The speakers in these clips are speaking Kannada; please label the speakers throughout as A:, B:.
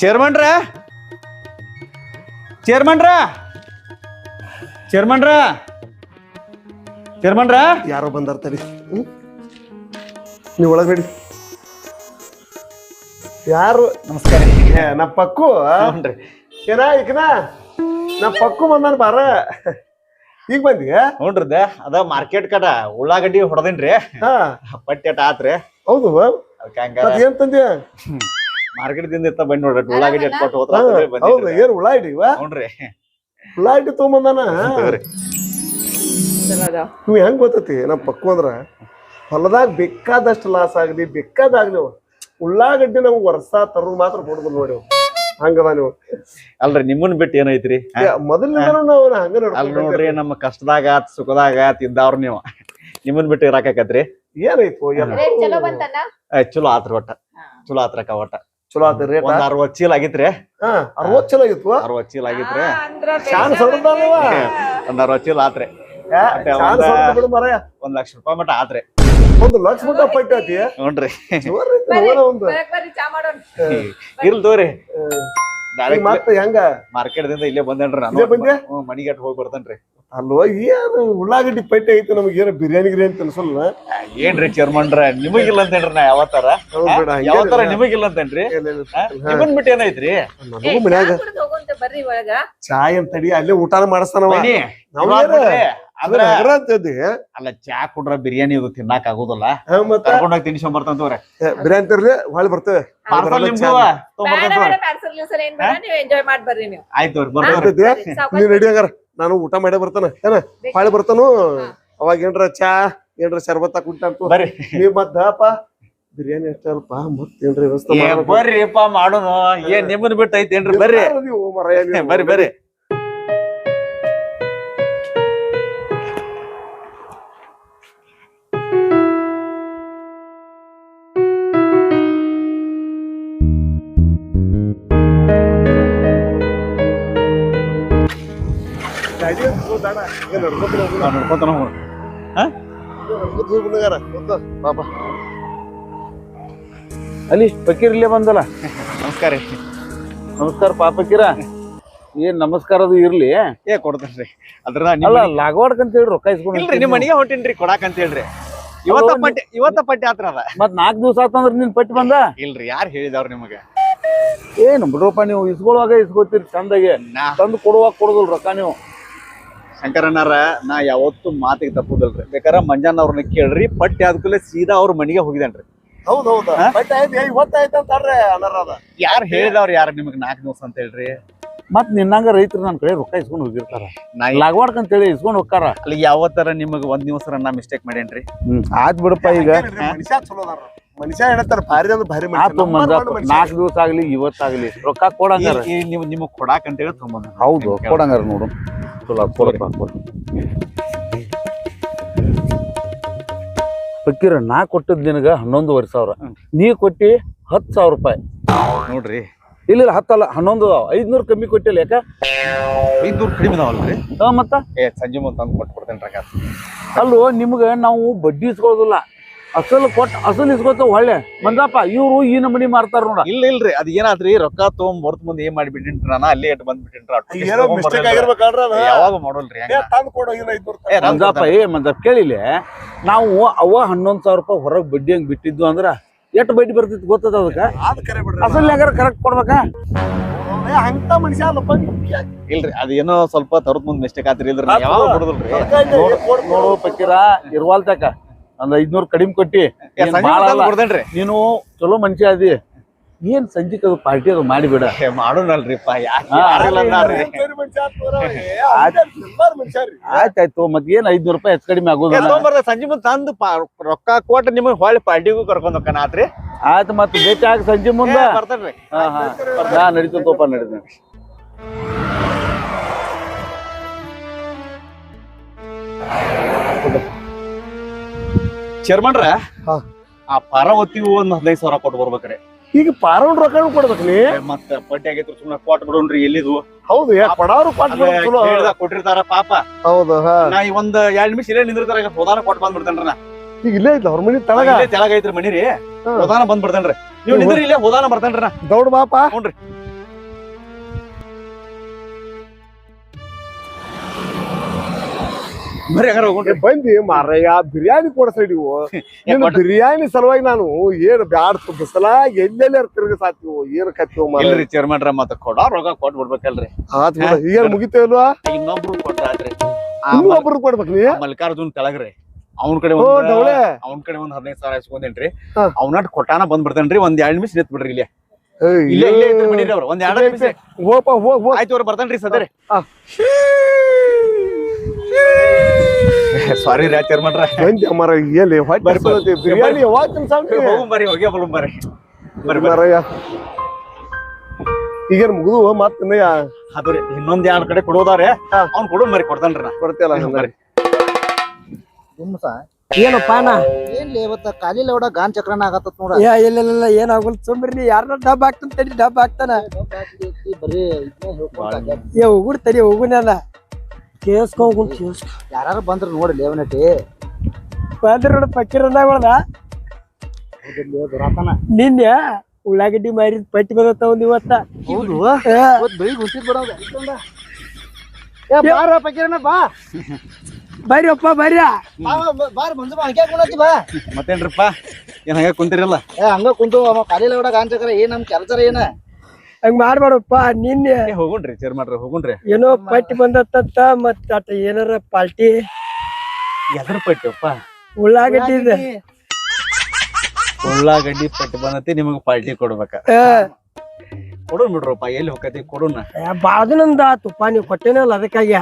A: ಚೇರ್ಮನ್ರ ಚೇರ್ಮನ್ರ ಚೇರ್ಮನ್ರ ಚೇರ್ಮನ್ರ
B: ಯಾರೋ ಬಂದಾರ ತಡಿ ನೀವು ಒಳಗೆ ನಡಿ ಯಾರು
A: ನಮಸ್ಕಾರ
B: ನಾ ಪಕ್ಕು ಏನ ಈಗನ ನಾ ಪಕ್ಕು ಬಂದಾನ ಬಾರ ಈಗ ಬಂದಿ
A: ನೋಡ್ರದ ಅದ ಮಾರ್ಕೆಟ್ ಕಟ ಉಳ್ಳಾಗಡ್ಡಿ ಹೊಡೆದೇನ್ರಿ
B: ಹಾ
A: ಪಟ್ಟಿ ಅಟ ಆತ್ರಿ
B: ಹೌದು
A: ಅದಕ್ಕೆ ಹಂಗಾರ
B: ಮತ್ ಏನ್ ತಂದ್ಯಾ
A: ಮಾರ್ಕೆಟ್ ದಿಂದ ಇತ್ತ ಬಂದ್ ನೋಡ್ರಿ ಉಳ್ಳಾಗಡ್ಡಿ ಎಟ್ಕೊಟ್ಟು ಹೋದ್ರ
B: ಹೌದು ಏನ್ ಉಳ್ಳಾಗಡ್ಡಿ ಇವ
A: ನೋಡ್ರಿ
B: ಉಳ್ಳಾಗಡ್ಡಿ ತಗೊಂಬಂದಾನ ನೀವು ಹೆಂಗ್ ಗೊತ್ತತಿ ನಮ್ ಪಕ್ಕು ಅಂದ್ರ ಹೊಲದಾಗ ಬೇಕಾದಷ್ಟು ಲಾಸ್ ಆಗಲಿ ಬೇಕಾದಾಗ್ಲಿ ಉಳ್ಳಾಗಡ್ಡಿ ನಮ್ಗೆ ವರ್ಷ ತರೋದು ಮಾತ್ರ ಕೊಡುದು ನೋಡಿ ಹಂಗದ ನೀವು
A: ಅಲ್ರಿ ನಿಮ್ಮನ್ ಬಿಟ್ಟು ಏನೈತ್ರಿ
B: ಮೊದಲಿಂದ ನಾವು ಹಂಗ
A: ಅಲ್ ನೋಡ್ರಿ ನಮ್ಮ ಕಷ್ಟದಾಗ ಸುಖದಾಗ ತಿಂದವ್ರ ನೀವು ನಿಮ್ಮನ್ ಬಿಟ್ಟು ಇರಾಕತ್ರಿ
B: ಏನಾಯ್ತು
A: ಚಲೋ ಆತ್ರಿ ಒಟ್ಟ ಚಲೋ ಆತ್ರಕ್ಕ ಒಟ್ಟ
B: ಚಲೋ ಆತ ರೇಟ್
A: ಒಂದ್ 60 ಚೀಲ ಆಗಿತ್ರಿ
B: 60 ಚಲೋ ಆಗಿತ್ತು
A: 60 ಚೀಲ ಆಗಿತ್ರಿ
B: ಚಾನ್ ಸಡದಲ್ವ
A: ಒಂದ್ 60 ಚೀಲ ಆತ್ರಿ
B: ಚಾನ್ ಸಡದ ಬಿಡು ಮಾರಾಯ
A: $1 ಲಕ್ಷ ಮಟ ಆತ್ರಿ
B: 1 ಲಕ್ಷ ಮಟ್ಟ ಪೈಟಾತಿ
A: ನೋಡ್ರಿ
B: ಒಂದು
A: ಇರ್ಲ್ ತೋರಿ
B: ಮತ್ತೆ ಹೆಂಗ
A: ಮಾರ್ಕೆಟ್ ದಿಂದ ಇಲ್ಲೇ ಬಂದೇನ್ರಿ
B: ಇಲ್ಲೇ ಬಂದ್ಯಾ?
A: ನಾನು ಮನಿಗಟ್ ಹೋಗಿ ಬರ್ತೇನ್ರಿ
B: ಅಲ್ವ ಏನು ಉಳ್ಳಾಗಡ್ಡಿ ಪೈಟೆ ಐತಿ ನಮಗೆ ಏನೋ ಬಿರಿಯಾನಿ ಗಿರಿಯಾನಿ ತಿನ್ಸಲ್ಲ
A: ಏನ್ರಿ ಚೇರ್ಮನ್ರ ನಿಮಗಿಲ್ಲ ಅಂತೇನ್ರಿ ನಾ ಯಾವತ್ತಾರ ಯಾವತ್ತಾರ ನಿಮಗಿಲ್ಲ ಅಂತೇನ್ರಿ ನಿಮ್ಮನ್ ಬಿಟ್ಟು ಏನೈತ್ರಿ
B: ನನಗೂ ಮನ್ಯಾಗ ಚಾ ಏನ್ ತಡಿ ಅಲ್ಲೇ ಊಟಾನ ಮಾಡಿಸ್ತಾನವ
A: ಬನ್ನಿ,
B: ನಾವ್
A: ಇವಾಗ್
B: ಏನ?
A: ಬಿಡ್ರಿ.
B: ಅದ್ರ ನಗರ ಅಂತಂದಿ
A: ಅಲ್ಲ ಚಾ ಕುಡ್ರ ಬಿರಿಯಾನಿ ಇದು ತಿನ್ನಾಕ ಆಗುದಿಲ್ಲ
B: ಮತ್ತ
A: ಕರ್ಕೊಂಡೋಗಿ ತಿನ್ಸ್ಕೊಂಡ್ ಬರ್ತಂತವ್ರೆ
B: ಬಿರಿಯಾನಿ ತರ್ಲಿ ಹೊಳ್ ಬರ್ತೇವೆ
A: ಪಾರ್ಸಲ್ ನಿಮ್ದು ಆಯ್ತು
B: ನೀವ್ ನಡಿ ಹಂಗಾರ ನಾನು ಊಟ ಮಾಡೇ ಬರ್ತಾನ ಏನ ಹೊಳೆ ಬರ್ತಾನು ಅವಾಗ ಏನ್ರ ಚಾ ಏನ್ರ ಶರ್ಬತ್ತ ಕುಂಟಂತು
A: ಬರ್ರಿ
B: ನೀವ್ ಮತ್ತಪ್ಪ ಬಿರಿಯಾನಿ ಅಷ್ಟಲ್ಪ ಮತ್ತೇನ್ರಿ ವ್ಯವಸ್ಥೆ
A: ಬರ್ರಿಪ್ಪ ಮಾಡೋನು ಏನ್ ನಿಮ್ಮನ್ ಬಿಟ್ಟು ಐತೇನ್ರಿ ಬರ್ರಿ ಬರ್ರಿ ಬರ್ರಿ ನೋಡ್ಕೊತ
C: ಅಲ್ಲಿ ಫಕೀರ್ ಇಲ್ಲೇ ಬಂದಲ್ಲ
A: ನಮಸ್ಕಾರ ರೀ
C: ನಮಸ್ಕಾರ ಪಾಪಕೀರ ಏನ್ ನಮಸ್ಕಾರದು ಇರ್ಲಿ
A: ಏ ಕೊಡ್ತೇನ್ರಿ ಅದ್ರ
C: ಅಲ್ಲ ಲಾಗವಾಡ್ಕ ಅಂತ ಹೇಳಿ ರೊಕ್ಕ ಇಸ್ಕೊಂಡು
A: ಇಲ್ರಿ ನಿಮ್ ಮನೆಗೆ ಹೊಂಟೇನ್ರಿ ಕೊಡಾಕ್ ಅಂತ ಹೇಳ್ರಿ ಇವತ್ತ ಪಟ್ಟಿ ಆತ್ರ ಅದ
C: ಮತ್ 4 ದಿವಸ ಆತಂದ್ರ ನಿನ್ ಪಟ್ಟಿ ಬಂದ
A: ಇಲ್ರಿ ಯಾರು ಹೇಳಿದವ್ರ ನಿಮಗ
C: ಏನ್ ಬಿಡ್ರಪ್ಪ ನೀವು ಇಸ್ಕೊಳ್ಳುವಾಗ ಇಸ್ಕೊತೀರಿ ಚಂದಾಗೆ ತಂದು ಕೊಡುವಾಗ ಕೊಡುದಿಲ್ಲ ರೊಕ್ಕ ನೀವು
A: ಶಂಕರಣ್ಣಾರ ನಾ ಯಾವತ್ತು ಮಾತಿಗೆ ತಪ್ಪುದಲ್ರಿ ಬೇಕಾದ್ರ ಮಂಜಾನ ಅವ್ರನ್ನ ಕೇಳ್ರಿ ಪಟ್ಟಿ ಆದ್ಕೂಲೆ ಸೀದಾ ಅವ್ರ ಮನೆಗೆ ಹೋಗಿದೇನ್ರಿ
B: ಹೌದೌದು ಇವತ್ತಾಯ್ತು ಅಂತಾರ್ರಿ ಅನಾರದ
A: ಯಾರು ಹೇಳಿದವ್ರ ಯಾರ ನಿಮಗ್ 4 ದಿವಸ ಅಂತ ಹೇಳ್ರಿ
C: ಮತ್ ನಿನ್ನಂಗ ರೈತರು ನನ್ ಕಡೆ ರೊಕ್ಕ ಇಸ್ಕೊಂಡ್ ಹೋಗಿರ್ತಾರ ಲಾಗವಾಡ್ಕ ಅಂತ ಹೇಳಿ ಇಸ್ಕೊಂಡ್ ಹೋಗ್ತಾರ
A: ಅಲ್ಲಿ ಯಾವತ್ತರ ನಿಮಗ್ 1 ದಿವಸ ನಾ ಮಿಸ್ಟೇಕ್ ಮಾಡೇನ್ರಿ
C: ಆಯ್ತ್ ಬಿಡಪ್ಪ ಈಗ
B: ಮನುಷ್ಯ ಚಲೋ ಅದಾರ ಮನುಷ್ಯ ಹೇಳ್ತಾರ ಭಾರಿ ಅಂದ್ರೆ ಭಾರಿ
C: ಆತು ಮಂಜ 4 ದಿವಸ ಆಗ್ಲಿ ಇವತ್ತಾಗ್ಲಿ ರೊಕ್ಕ ಕೊಡಂಗಾರ
A: ನೀವು ನಿಮಗ್ ಕೊಡಾಕ್ ಅಂತ ಹೇಳಿ ತೊಗೊಂಬಂದ
C: ಹೌದು ಕೊಡಂಗಾರ ನೋಡು ಚಲೋ ಕೊಡಪ್ಪ ಕೊಡು ಫಕೀರ ನಾ ಕೊಟ್ಟದ್ ನಿನಗ 11,500 ನೀ ಕೊಟ್ಟಿ 10,000 ರೂಪಾಯಿ
A: ನೋಡ್ರಿ
C: ಇಲ್ಲ 10 ಅಲ್ಲ 11 500 ಕಮ್ಮಿ ಕೊಟ್ಟಿಲ್ಲ ಯಾಕ
A: 500 ಕಡಿಮೆ ಅದಾವಲ್ರಿ
C: ಮತ್ತ
A: ಸಂಜೆ ಮುಂದೆ ತಂದು ಕೊಟ್ಟು ಕೊಡ್ತೇನ್ರಿ
C: ಅಲ್ಲೋ ನಿಮ್ಗ ನಾವು ಬಡ್ಡಿ ಇಸ್ಕೊಳ್ಳೋದಿಲ್ಲ ಅಸಲು ಕೊಟ್ಟು ಅಸಲು ಇಸ್ಕೊತ ಒಳ್ಳೆ ಮಂದಪ್ಪ ಇವ್ರು ಈ ನಮನಿ ಮಾರ್ತಾರ ನೋಡ
A: ಇಲ್ರಿ ಅದ್ ಏನಾದ್ರಿ ರೊಕ್ಕ ತೊಗೊಂಡ್ ಮುಂದೆ ಏನ್ ಮಾಡಿಬಿಟ್ಟಿನ್ರಿ ನಾನು ಅಲ್ಲೇ ಇಟ್ಟು ಬಂದ್ಬಿಟ್ಟಿನ್ರಿ
B: ಏನೋ ಮಿಸ್ಟೇಕ್ ಆಗಿರ್ಬೇಕಾದ್ರ
A: ಯಾವಾಗ ಮಾಡೋಲ್ರಿ
B: ತಂದು ಕೊಡೋ ಇಲ್ಲ
C: ಮಂದಪ್ಪ ಮಂದಪ್ಪ ಕೇಳಿಲ್ಲ ನಾವು ಅವ 11,000 ರೂಪಾಯಿ ಹೊರಗ್ ಬಡ್ಡಿ ಹಂಗ್ ಬಿಟ್ಟಿದ್ವು ಅಂದ್ರ ಎಷ್ಟು ಬಡ್ಡಿ ಬರ್ತಿತ್ತು ಗೊತ್ತದ ಅದಕ್ಕ ಅಸಲ್ ಯಾಕಾರ ಕರೆಕ್ಟ್ ಕೊಡ್ಬೇಕಾ
B: ಅಂತ ಮನುಷ್ಯ ಅಲ್ಲಪ್ಪ
A: ಇಲ್ರಿ ಅದ ಏನೋ ಸ್ವಲ್ಪ ತರದ್ ಮುಂದ್ ಮಿಸ್ಟೇಕ್ ಆತ್ರಿ ಇಲ್ರಿ ಯಾವಾಗ ಕೊಡುದಿಲ್ರಿ
C: ನೋಡು ಪಕ್ಕೀರ ಇರ್ವಾಲ್ತಕ ಒಂದ್ 500 ಕಡಿಮೆ ಕೊಟ್ಟಿ
A: ಕೊಡ್ತೇನ್ರಿ
C: ನೀನು ಚಲೋ ಮನುಷ್ಯ ಅದಿ ಏನ್ ಸಂಜಿಕ್ ಅದು ಪಾರ್ಟಿ ಅದು ಮಾಡಿಬಿಡ
A: ಮಾಡೋಣಲ್ರಿಪ್ಪ
C: ಆಯ್ತಾಯ್ತು ಮತ್ ಏನ್ 500 ರೂಪಾಯಿ ಹೆಚ್ಚು ಕಡಿಮೆ ಆಗೋದಿಲ್ಲ
A: ಸಂಜೆ ಮುಂದೆ ತಂದು ರೊಕ್ಕ ಕೊಟ್ಟು ನಿಮಗ್ ಹೊಳ್ಳಿ ಪಾರ್ಟಿಗೂ ಕರ್ಕೊಂಡ್ ಹೋಗ್ತಾನ ಆತ್ರಿ
C: ಆಯ್ತು ಮತ್ ಭೇಟಿ ಆಗ ಸಂಜೆ ಮುಂದೆ
A: ಬರ್ತೇನ್ರಿ
C: ನಾ ನಡೀತಪ್ಪ ನಡೀತ
A: ಚೇರ್ಮನ್ರ ಆ ಪಾರಾವತಿ ಒಂದ್ 15,000 ಕೊಟ್ಟು ಬರ್ಬೇಕ್ರಿ
B: ಈಗ ಪಾರೌಂಡ್ ರೊಕ್ಕ ಕೊಡ್ಬೇಕು ನೀ
A: ಮತ್ತ ಪಟ್ಟಿ ಆಗೈತ್ರಿ ಸುಮ್ಮನೆ ಕೊಟ್ಟು ಬಿಡೋಣ್ರಿ ಎಲ್ಲಿದು
B: ಹೌದು ಕೊಡಾರು
A: ಕೊಟ್ಟಿರ್ತಾರ ಪಾಪ
B: ಹೌದು
A: ನಾ ಈ ಒಂದ್ 2 ನಿಮಿಷ ಇಲ್ಲೇ ನಿಂದಿರ್ತಾರ ಹೋದಾನ ಕೊಟ್ಟು ಬಂದ್ಬಿಡ್ತೇನ್ರಿ ನಾ
B: ಈಗ ಇಲ್ಲೇ ಐತ್ಲ ಅವ್ರ ಮನಿ ತಳಗ
A: ತೆಳಗ ಐತ್ರಿ ಮನಿ ರೀ ಹೋದಾನ ಬಂದ್ಬಿಡ್ತೇನ್ರಿ ನೀವು ನಿಂದ್ರಿ ಇಲ್ಲೇ ಹೋದಾನ ಬರ್ತೇನ್ರಿ ನಾ
B: ದೌಡ್ ಬಾಪ
A: ನೋಡ್ರಿ ಬರ್ರಿ ಹಂಗಾರ ಹೋಗೋಣ್ರಿ.
B: ಬಂದಿ ಮಾರಯ್ಯ ಬಿರಿಯಾನಿ ಕೊಡಸಡಿವು ಬಿರಿಯಾನಿ ಸಲುವಾಗಿ ನಾನು ಏನ್ ಬ್ಯಾಡ ಬಿಸಲ ಎಲ್ಲೆಲ್ಲ ತಿರುಗಿಸಾತೀವು ಏನ್ ಕತ್ತೀವ
A: ಇಲ್ರಿ ಚೇರ್ಮನ್ರ ಮತ್ತ ಕೊಡೋ ರೊಕ್ಕ ಕೊಟ್ ಬಿಡ್ಬೇಕಲ್ರಿ.
B: ಆತ್ ಬಿಡ ಈಗ ಮುಗಿತೇವಲ್ವಾ
A: ಇನ್ನೊಬ್ರು ಕೊಟ್ರಾತ್ರಿ.
B: ಇನ್ನೊಬ್ರು ಕೊಡ್ಬೇಕು ನೀ
A: ಮಲ್ಲಿಕಾರ್ಜುನ್ ತೆಳಗ್ರಿ ಅವ್ನ ಕಡೆ
B: ಡೌಳೆ
A: ಅವ್ನ ಕಡೆ 15,000 ಇಸ್ಕೊಂಡೇನ್ರಿ. ಅವ್ನ ಕೊಟ್ಟಾನ ಬಂದ್ ಬಿಡ್ತೇನ್ರಿ. ಒಂದ್ 2 ನಿಮಿಷ ನಿಂತ್ ಬಿಡ್ರಿ ಇಲ್ಲೇ ಇಲ್ಲೇ ಇದ್ರ ಬಿಡಿರಿ ಅವ್ರು ಒಂದ್ 2 ನಿಮಿಷ.
B: ಹೋಪ ಹೋಗ್
A: ಆಯ್ತು ಅವ್ರು ಬರ್ತೇನ್ರಿ ಸದರಿ. ಸಾರಿ ರೀ ಚೇರ್ಮನ್ರ.
B: ಬಂದಿ ಅಮ್ಮರ ಎಲ್ಲಿ ಹೊಟ್ಟೆ ಬಿರಿಯಾನಿ ಯಾವಾಗ ತಿನ್ಸಾವ್ರಿ
A: ಬರ್ರಿ ಹೋಗಿ ಬರ್ರಿ
B: ಮಾರಯ್ಯ ಈಗ ಮುಗಿದು ಮತ್ತ
A: ಅದ್ರಿ ಇನ್ನೊಂದ್ 2 ಕಡೆ ಕೊಡೋದಾರೆ ಅವ್ನ್ ಕೊಡು ಮರಿ ಕೊಡ್ತಾನ್ರಿ ನಾ
B: ಕೊಡ್ತೇಲ್ಲ
A: ಬರ್ರಿ.
D: ಏನಪ್ಪ
E: ಏನ್ಲಿ ಇವತ್ತ ಕಾಲಿ ಲೌಡ ಗಾನ್ ಚಕ್ರನ ಆಗತ್ತ ನೋಡ.
D: ಇಲ್ಲ ಏನಾಗಲ್ ಸುಮ್ರಿ ಯಾರ ಡಬ್ ಹಾಕ್ತಾನ ತಡಿ ಡಬ್ ಹಾಕ್ತಾನ
E: ಬರೀ ಇದನ್ನ ಹೇಳ್ಕೊಂತ
D: ಹೋಗುಡ್ ತಡಿ ಹೋಗುನಲ್ಲ ಕೇಸ್ಕೊ
E: ಯಾರು ಬಂದ್ರ ನೋಡಿ ಲೇವನಟಿ
D: ಬಂದ್ರ ನೋಡ ಪಕ್ಕಿರದಾಗಳದ ನಿನ್ನೆ ಉಳ್ಳಾಗಡ್ಡಿ ಮಾರಿದ ಪಟ್ಟಿ ಬಂದತ್ತ ಒಂದ್ ಇವತ್ತ.
E: ಹೌದು ಬೆಳಿಗ್ಗೆ ಗುಂತಿದ್ ಬಿಡೋದ ಬಾರ ಪಕೀರನ ಬಾ
D: ಬರ್ರಿ ಅಪ್ಪ ಬರ್ರಿ
E: ಬಾರ್ ಬಂದ ಬಾ ಹಂಗೆ ಕುಂತಿ ಬಾ.
A: ಮತ್ತೇನ್ರಿಪ್ಪ ಏನ್ ಹಂಗ ಕುಂತಿರಲ್ಲ?
E: ಹಂಗ ಕುಂತು ಕಾಲಿ ಲೌಡ ಗಾನ್ ಚಕ್ರ ಏನ್ ನಮ್ ಕೆಲ್ಸರ ಏನ
D: ಹಂಗ ಮಾಡ್ಬೇಡಪ್ಪ. ನಿನ್ನೆ
A: ಹೋಗುಣ್ರಿ ಚೇರ್ಮನ್ರ ಹೋಗುಣ್ರಿ.
D: ಏನೋ ಪಟ್ಟಿ ಬಂದತ್ತ ಮತ್ತ ಅಟ ಏನಾರ ಪಾಲ್ಟಿ
A: ಎದ್ರ ಪಟ್ಟಿಯಪ್ಪ?
D: ಉಳ್ಳಾಗಡ್ಡಿ ಇದೆ.
A: ಉಳ್ಳಾಗಡ್ಡಿ ಪಟ್ಟಿ ಬಂದತಿ ನಿಮಗ್ ಪಾರ್ಟಿ ಕೊಡ್ಬೇಕ. ಕೊಡೋಣ ಬಿಡ್ರಪ್ಪ ಎಲ್ಲಿ ಹೋಗತಿ ಕೊಡೋಣ.
D: ಬಾಳ ದಿನದ ತುಪ್ಪ ನೀವು ಕೊಟ್ಟೇನಲ್ಲ ಅದಕ್ಕಾಗಿ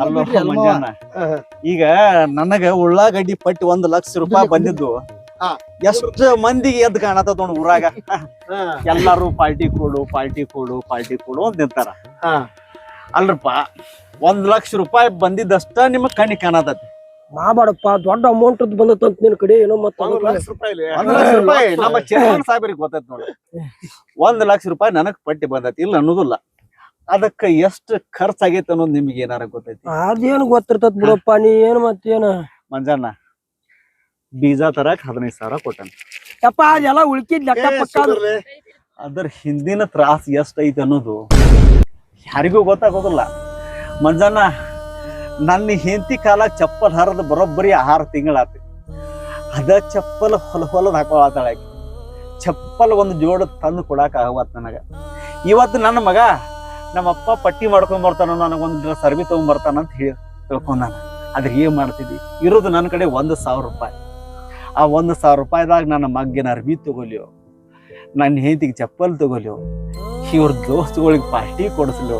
A: ಈಗ ನನಗ ಉಳ್ಳಾಗಡ್ಡಿ ಪಟ್ಟಿ 1,00,000 ರೂಪಾಯಿ ಬಂದಿದ್ದು ಎಷ್ಟು ಮಂದಿಗೆ ಎದ್ದು ಕಾಣತ್ತ ನೋಡ್ ಊರಾಗ. ಎಲ್ಲಾರು ಪಾರ್ಟಿ ಕೊಡು ಅಂತ ನಿಂತಾರ. ಅಲ್ರಪ್ಪ 1,00,000 ರೂಪಾಯಿ ಬಂದಿದ್ದಷ್ಟ ನಿಮಗ್ ಕಣ್ಣಿ ಕಾಣತತಿ.
D: ಮಾಡಪ್ಪ ದೊಡ್ಡ ಅಮೌಂಟ್ ಬಂದತ್ತ ನಿನ್ ಕಡೆ ಏನೋ ಮತ್ತ
A: 1,00,000 ರೂಪಾಯಿ ನಮ್ಮ ಚೇರ್ಮನ್ ಸಾಹೇಬ್ರಿಗೆ ಗೊತ್ತೈತಿ ನೋಡಿ. 1,00,000 ರೂಪಾಯಿ ನನಗ್ ಪಟ್ಟಿ ಬಂದೈತಿ ಇಲ್ಲ ಅನ್ನೋದಿಲ್ಲ. ಅದಕ್ಕ ಎಷ್ಟು ಖರ್ಚಾಗೈತೆ ಅನ್ನೋದು ನಿಮ್ಗೆ ಏನಾರ ಗೊತ್ತೈತಿ?
D: ಅದೇನು ಗೊತ್ತಿರ್ತದ ಬಿಡಪ್ಪ. ನೀ ಏನ್ ಮತ್ತೇನ
A: ಮಂಜಾನ ಬೀಜ ತರಕ್ 15,000 ಕೊಟ್ಟಾನ.
D: ಯಪ್ಪ ಅದೆಲ್ಲ ಉಳ್ಕಿದ್ ಲೆಕ್ಕ ಪಕ್ಕ.
A: ಅದ್ರ ಹಿಂದಿನ ತ್ರಾಸ ಎಷ್ಟ ಐತಿ ಅನ್ನೋದು ಯಾರಿಗೂ ಗೊತ್ತಾಗೋದಿಲ್ಲ. ಮಂಜಾನ ನನ್ನ ಹೆಂಡತಿ ಕಾಲಾಗ ಚಪ್ಪಲ್ ಹರಿದ ಬರೋಬ್ಬರಿ 6 ತಿಂಗಳಾತಿ. ಅದ ಚಪ್ಪಲ್ ಹೊಲದ್ ಹಾಕೊಳತ್ತಾಳ ಆಕಿ. ಚಪ್ಪಲ್ ಒಂದು ಜೋಡ ತಂದು ಕೊಡಾಕ ಆಗವತ್ ನನಗ. ಇವತ್ತು ನನ್ನ ಮಗ ನಮ್ಮಪ್ಪ ಪಟ್ಟಿ ಮಾಡ್ಕೊಂಡ್ ಬರ್ತಾನ ನನಗೊಂದು ಡ್ರೆಸ್ ಅರ್ಬಿ ತಗೊಂಡ್ ಬರ್ತಾನ ಅಂತ ಹೇಳಿ ತಿಳ್ಕೊಂಡ. ಅದ್ರ ಏನ್ ಮಾಡ್ತಿದ್ವಿ? ಇರೋದು ನನ್ನ ಕಡೆ 1,000 ರೂಪಾಯಿ. ಆ 1,000 ರೂಪಾಯಿದಾಗ ನನ್ನ ಮಗ್ಗಿನ ಅರ್ಬಿ ತಗೊಲಿಯೋ, ನನ್ನ ಹೆಂಡತಿಗೆ ಚಪ್ಪಲ್ ತಗೊಲಿಯೋ, ಇವ್ರ ದೋಸ್ತುಗಳಿಗೆ ಪಾರ್ಟಿ ಕೊಡಿಸ್ಲಿಯೋ.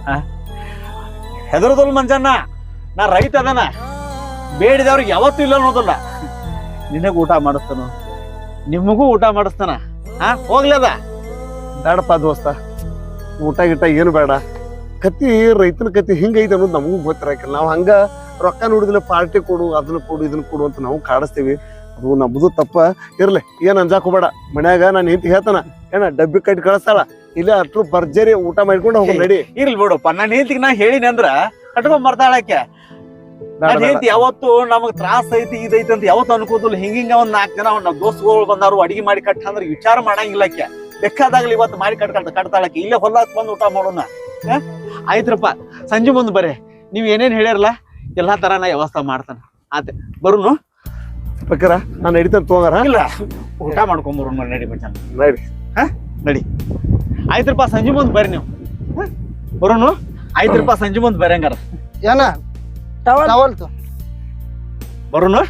A: ಹೆದರದಲ್ ಮಂಜಣ್ಣ, ನಾ ರೈತ ಅದನ, ಬೇಡಿದವ್ರಿಗೆ ಯಾವತ್ತೂ ಇಲ್ಲ ಅನ್ನೋದಿಲ್ಲ. ನಿನಗ ಊಟ ಮಾಡಿಸ್ತಾನ, ನಿಮಗೂ ಊಟ ಮಾಡಿಸ್ತಾನ. ಹೋಗ್ಲದ
B: ಬೇಡಪ್ಪ ದೋಸ್ತ, ಊಟ ಗಿಟ ಏನು ಬೇಡ. ಕತ್ತಿ ರೈತನ ಕತ್ತಿ ಹಿಂಗೈತೆ ಅನ್ನೋದು ನಮಗೂ ಗೊತ್ತಿರಾಕಿಲ್ಲ. ನಾವು ಹಂಗ ರೊಕ್ಕ ನೋಡಿದ್ರೆ ಪಾರ್ಟಿ ಕೊಡು, ಅದನ್ನ ಕೊಡು, ಇದನ್ನ ಕೊಡು ಅಂತ ನಾವು ಕಾಡಿಸ್ತೀವಿ. ಅದು ನಮ್ದು ತಪ್ಪ ಇರ್ಲಿ, ಏನ್ ಅಂಜಾಕ್ ಹೋಗ್ಬೇಡ. ಮನ್ಯಾಗ ನಾನು ಹೆಂಡತಿ ಹೇಳ್ತಾನ ಏನ ಡಬ್ಬಿ ಕಟ್ಟಿ ಕಳಿಸ್ತಾಳ, ಇಲ್ಲ ಅಷ್ಟ್ರು ಭರ್ಜರಿ ಊಟ ಮಾಡ್ಕೊಂಡು ಹೋಗ್ ನಡಿ.
A: ಇರ್ಲಿ ಬಿಡಪ್ಪ, ನನ್ನ ಹೆಂಡತಿಗೆ ನಾ ಹೇಳಿನಿ ಅಂದ್ರ ಕಟ್ಕೊಂಡ್ ಬರ್ತಾಳಕ್ಕೆ. ನನ್ನ ಹೆಂಡತಿ ಯಾವತ್ತು ನಮಗ್ ತ್ರಾಸ ಐತಿ ಇದೈತಿ ಅಂತ ಯಾವತ್ತು ಅನ್ಕೋದಿಲ್ಲ. ಹಿಂಗ ಒಂದ್ 4 ಜನ ಅವ್ನ ದೋಸ್ತುಗಳು ಬಂದಾರು ಅಡಿಗೆ ಮಾಡಿ ಕಟ್ಟ ಅಂದ್ರೆ ವಿಚಾರ ಮಾಡಂಗಿಲ್ಲಕ್ಕೆ. ಬೇಕಾದಾಗ್ಲಿ ಇವತ್ತು ಮಾಡಿ ಕಟ್ತಾಳಕ್ಕೆ. ಇಲ್ಲೇ ಹೊಲಕ್ ಬಂದು ಊಟ ಮಾಡೋಣ. ಆಯ್ತ್ರಪ್ಪ, ಸಂಜೆ ಮುಂದ್ ಬರ್ರಿ. ನೀವ್ ಏನೇನ್ ಹೇಳ್ಯಾರಲ್ಲ ಎಲ್ಲಾ ತರ ನಾ ವ್ಯವಸ್ಥೆ ಮಾಡ್ತಾನ. ಆತ ಬರುನು
B: ಬೇಕಾರ ನಾನು ನಡಿತಾನೆ ತಗೋಗಾರ.
A: ಇಲ್ಲ, ಊಟ ಮಾಡ್ಕೊಂಬರು ನಡಿ ಮಚ್ಚ.
B: ನಡಿ
A: ನಡಿ. ಆಯ್ತ್ರಪ್ಪ, ಸಂಜೆ ಮುಂದ್ ಬರ್ರಿ ನೀವು. ಬರೋನು. ಆಯ್ತ್ರಪ್ಪ, ಸಂಜೆ ಮುಂದ್ ಬರ್ರಿ ಹಂಗಾರ.
E: ಏನ ಟವಲ್
A: ಬರೋನು.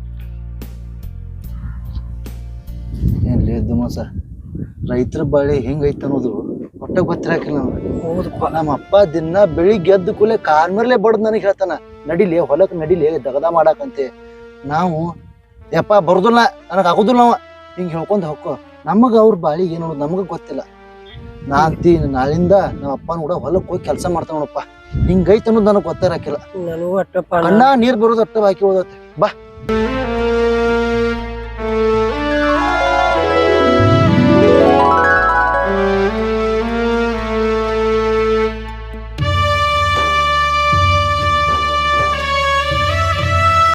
E: ಏನ್ಲಿ ದುಮಸ, ರೈತರ ಬಾಳಿ ಹೆಂಗೈತ ಅನ್ನೋದು ಒಟ್ಟ ಗೊತ್ತಿರಾಕಿಲ್ಲ ನಮ್ಗೆ. ನಮ್ಮ ಅಪ್ಪ ದಿನ ಬೆಳಿಗ್ಗೆ ಎದ್ದು ಕೂಲೆ ಕಾರ್ಮೇಲೆ ಬಡ್ದು ನನಗೆ ಹೇಳ್ತಾನ, ನಡಿಲಿ ಹೊಲಕ್ ನಡಿಲಿ ದಗದ ಮಾಡಾಕಂತೆ. ನಾವು ಯಪ್ಪ ಬರುದಿಲ್ಲ, ನನಗೆ ಆಗುದಿಲ್ಲ. ನಾವ ಹಿಂಗ ಹೇಳ್ಕೊಂಡ್ ಹೋಗ್ಕೊ. ನಮಗ ಅವ್ರ ಬಾಳಿ ಏನು ಅನ್ನೋದು ನಮಗ ಗೊತ್ತಿಲ್ಲ. ನಾ ಅಂತೀನಿ ನಾಳಿಂದ ನಮ್ಮ ಅಪ್ಪನ ಕೂಡ ಹೊಲಕ್ ಹೋಗಿ ಕೆಲಸ ಮಾಡ್ತಾನ ನೋಡಪ್ಪ. ಹಿಂಗೈತ ಅನ್ನೋದು ನನಗೆ ಗೊತ್ತಿರಾಕಿಲ್ಲ.
D: ನನಗೂ ಅಟ್ಟಪ್ಪ
E: ಅಣ್ಣ ನೀರ್ ಬರೋದು ಅಟ್ಟ ಬಾಕಿ ಹೋದತ್ತೆ. ಬಾ